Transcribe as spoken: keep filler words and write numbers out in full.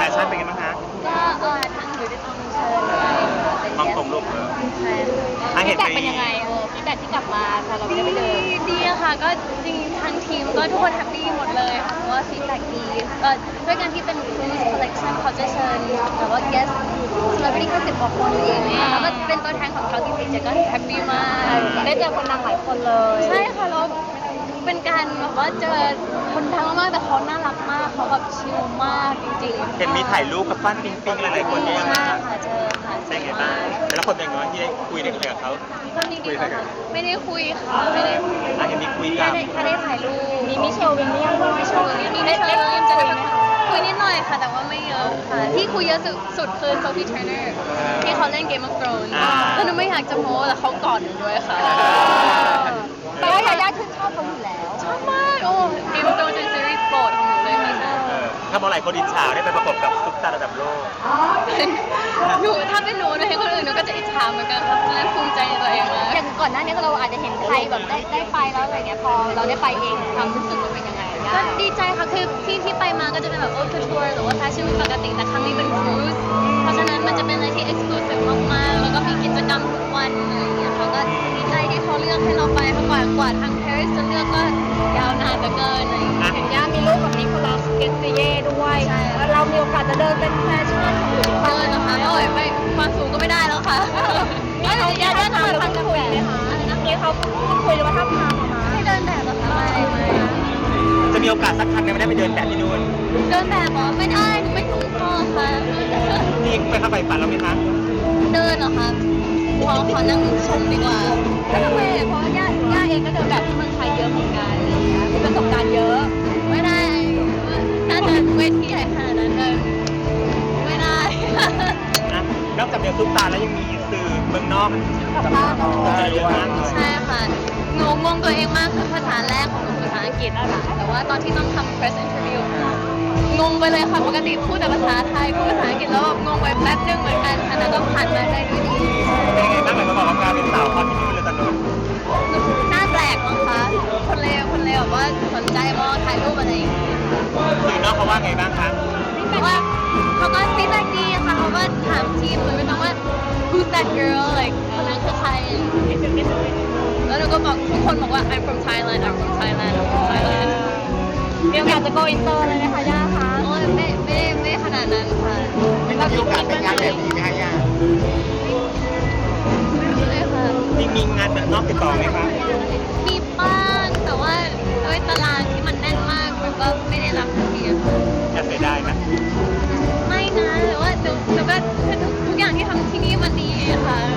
ชั่นเป็นไงบ้างคะก็เออทางอยู่ในตรงเชิญไปมองตรงลูกเออใช่ค่ะฟีดแบ็กเป็นยังไงเออฟีดแบ็กที่กลับมาพอเราไม่ได้ไปเดินดีอะค่ะก็จริงทางทีมก็ทุกคนแฮปปี้หมดเลยค่ะเพราะว่าฟีดแบ็กดีก็ด้วยการที่เป็น cruise collection เขาจะเชิญแต่ว่า guest celebrity แค่สิบกว่าคนเองเนี่ยแล้วก็เป็นตัวแทนของเขาจริงๆเจ๊ก็แฮปปี้มากได้เจอคนดังหลายคนเลยใช่ค่ะแล้วเป็นการแบบว่าเจอคนดังมากแต่เขาน่ารักมากเขาแบบชิลมากจริงๆเห็นมีถ่ายรูปกับปั้นปิงปิงหลายๆคนเนี่ยใช่ค่ะเจอค่ะใช่ไงบ้างแต่ละคนเป็นไงบ้างที่ได้คุยได้คุยกับเขาตอนนี้ดีกว่าไม่ได้คุยค่ะไม่ได้คุยอ่ะเห็นมีคุยกับแค่ได้แค่ได้ถ่ายรูปมีมิเชลวิลเลียมด้วยมิเชลวิลเลียมมีได้ได้คุยจะได้คุยนิดหน่อยค่ะแต่ว่าไม่เยอะค่ะที่คุยเยอะสุดสุดคือโซฟีเทรนเนอร์ที่เขาเล่น Game of Thrones แล้วหนูไม่อยากจะโม้แต่เขากอดหนูด้วยค่ะแต่ว่ายาย่าชื่นชอบเขาอยู่แล้วชอบมากโอ้ Game of Thrones เป็นซีรีส์โปรดของหนูเลยค่ะเออถ้ามองหลายคนอิจฉาได้ไปประกบกับซุปตาระดับโลกหนูถ้าเป็นหนูหนูเห็นคนอื่นหนูก็จะอิจฉาเหมือนกันค่ะและภูมิใจในตัวเองมากอย่างก่อนหน้านี้เราอาจจะเห็นใครแบบได้ได้ไปแล้วอะไรเงี้ยพอเราได้ไปเองความรู้สึกมันเป็นยังไงก็ดีใจค่ะคือที่ที่ไปมาก็จะเป็นแบบโอ้ทัวร์หรือว่าแฟชั่นปกติแต่ครั้งนี้เป็นครูซเพราะฉะนั้นมันจะเป็นอะไรที่เอ็กซ์คลูซีฟมากๆแล้วก็มีกิจกรรมทุกวันอะไรเงี้ยเขาก็ดีใจที่เขาเลือกให้เราไปเพราะกว่ากว่าทางปารีสจะเลือกก็ยาวนานเหลือเกินอะไรอย่างเงี้ยเห็นย่ามีรูปกับนิโคลัสเกสเตเย่ด้วยแล้วเรามีโอกาสจะเดินเป็นแฟชั่นหรือเดินนะคะโอ้ยไม่ความสูงก็ไม่ได้แล้วค่ะไม่เขาย่าย่าทำพันคุยไหมคะอะไรนะนี่เขาพูดคุยหรือว่าทำทางคะให้เดินแบบเหรอคะไม่ไม่จะมีโอกาสสักครั้งไหมไม่ได้ไปเดินแบบที่นู่นเดินแบบเหรอไม่ได้หนูไม่สูงพอค่ะนี่ไปเข้าไปฝันเราไหมคะเดินเหรอคะขอขอนั่งชมดีกว่าก็ทำไมเพราะย่าย่าเองก็เดินแบบที่เมืองไทยเยอะเหมือนกันอะไรเงี้ยมีประสบการณ์เยอะไม่ได้น่าจะเวทีใหญ่ขนาดนั้นเลยไม่ได้นะนอกจากเดินซุปตาแล้วยังมีสื่อเมืองนอกกับภาพเยอะมากเลยใช่ค่ะหนูงงตัวเองมากคือภาษาแรกของหนูภาษาอังกฤษอะค่ะแต่ว่าตอนที่ต้องทำ press interview งงไปเลยค่ะปกติพูดแต่ภาษาไทยพูดภาษาอังกฤษแล้วแบบงงไปแป๊บนึงเหมือนกันค่ะแต่ก็ผ่านมาได้ด้วยดีเป็นไงบ้างเหมือนมาบอกว่าการเป็นสาวคอนที่นู่นเลยตอนนู้นน่าแปลกมั้งคะคนเลวคนเลวแบบว่าสนใจมองถ่ายรูปอะไรอย่างเงี้ยสื่อนอกเขาว่าไงบ้างคะเพราะว่าเขาก็ฟีดแบ็กดีค่ะเขาก็ถามทีมเลยไม่ต้องว่า who's that girl like คนนั้นคือใครแล้วหนูก็บอกทุกคนบอกว่า I'm from Thailand I'm from Thailand I'm from Thailand มีโอกาสจะ go inter เลยไหมคะย่าคะโอ้ยไม่ไม่ไม่ขนาดนั้นค่ะแบบมีโอกาสเป็นงานแบบนี้ไหมคะย่าไม่รู้เลยค่ะมีมีงานแบบนอกติดต่อไหมคะมีบ้างแต่ว่าด้วยตารางที่มันแน่นมากมันก็ไม่ได้รับทันทีอะค่ะจะเสียดายไหมไม่นะแต่ว่าหนูหนูก็ทุกทุกอย่างที่ทำที่นี่มันดีค่ะ